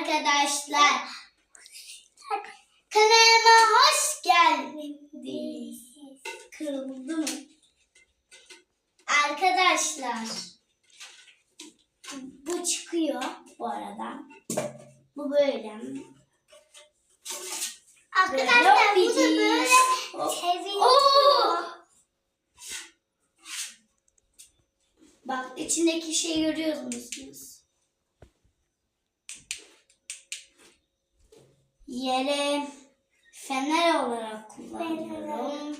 arkadaşlar. Kanalıma hoş geldiniz. Kırıldı mı? Arkadaşlar. Bu çıkıyor bu arada. Bu böyle. Arkadaşlar bu da böyle seviyor. Bak içindeki şeyi görüyor musunuz? Yere fener olarak kullanıyorum.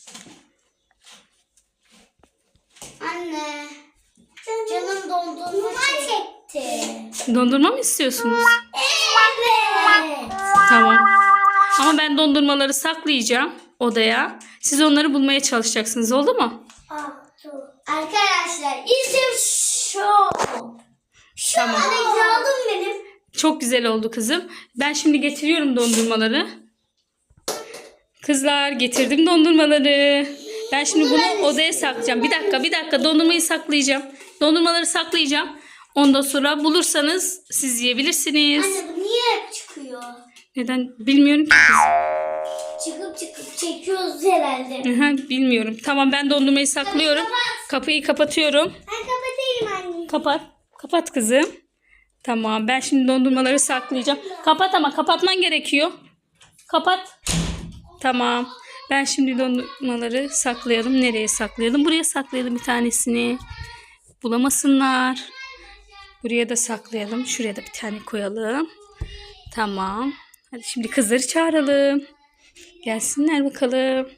Anne, canım dondurma çekti. Dondurma mı istiyorsunuz? Evet. Tamam. Ama ben dondurmaları saklayacağım odaya. Siz onları bulmaya çalışacaksınız. Oldu mu? Arkadaşlar işte şu. Tamam. Anne aldım benim. Çok güzel oldu kızım. Ben şimdi getiriyorum dondurmaları. Kızlar getirdim dondurmaları. Ben şimdi bunu odaya saklayacağım. Bir dakika dondurmayı saklayacağım. Dondurmaları saklayacağım. Ondan sonra bulursanız siz yiyebilirsiniz. Anne bu niye hep çıkıyor? Neden bilmiyorum ki kız. Çıkıp çekiyoruz herhalde. Bilmiyorum. Tamam ben dondurmayı saklıyorum. Kapıyı kapatıyorum. Ben kapatayım anne. Kapat kızım. Tamam ben şimdi dondurmaları saklayacağım. Kapat ama kapatman gerekiyor. Kapat. Tamam. Ben şimdi dondurmaları saklayalım. Nereye saklayalım? Buraya saklayalım bir tanesini. Bulamasınlar. Buraya da saklayalım. Şuraya da bir tane koyalım. Tamam. Hadi şimdi kızları çağıralım. Gelsinler bakalım.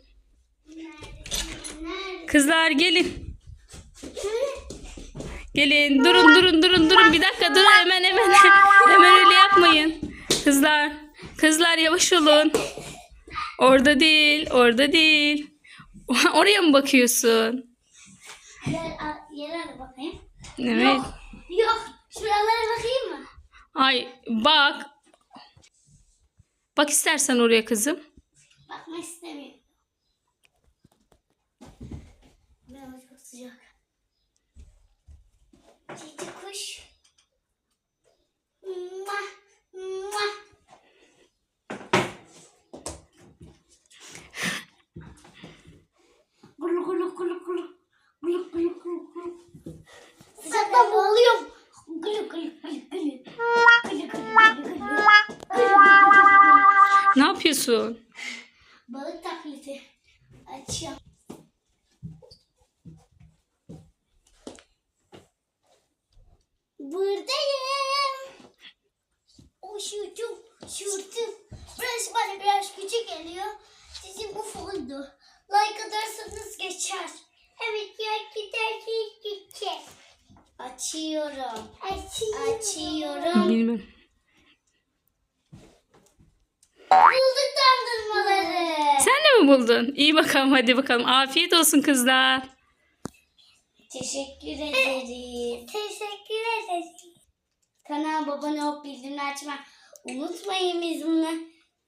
Kızlar gelin. Gelin. Durun. Bir dakika durun. Hemen öyle yapmayın. Kızlar yavaş olun. Orada değil. Oraya mı bakıyorsun? Yere bakayım. Evet. Yok. Şuralara bakayım mı? Ay bak. Bak istersen oraya kızım. Bakmak istemiyorum. Biraz çok sıcak. Cici kuş. Muah, muah. Gulu gulu gulu gulu. Gulu gulu gulu gulu. Sıcaktan boğuluyorum. Gulu gulu gulu gulu. Gulu gulu gulu gulu. Ne yapıyorsun? Balık taklidi. Açıyorum. Buradayım. Şurdum. Burası bana biraz küçük geliyor. Sizin bu oldu. Like atarsanız geçer. Evet ya geçer. Açıyorum. Bilmem. Bulduk dondurmaları. Sen de mi buldun? İyi bakalım hadi bakalım. Afiyet olsun kızlar. Teşekkür ederim. Kanalıma abone olup bildirimleri açmayı unutmayın, biz bunu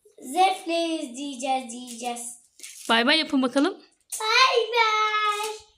zevkle izleyeceğiz. Bay bay yapın bakalım. Bay bay.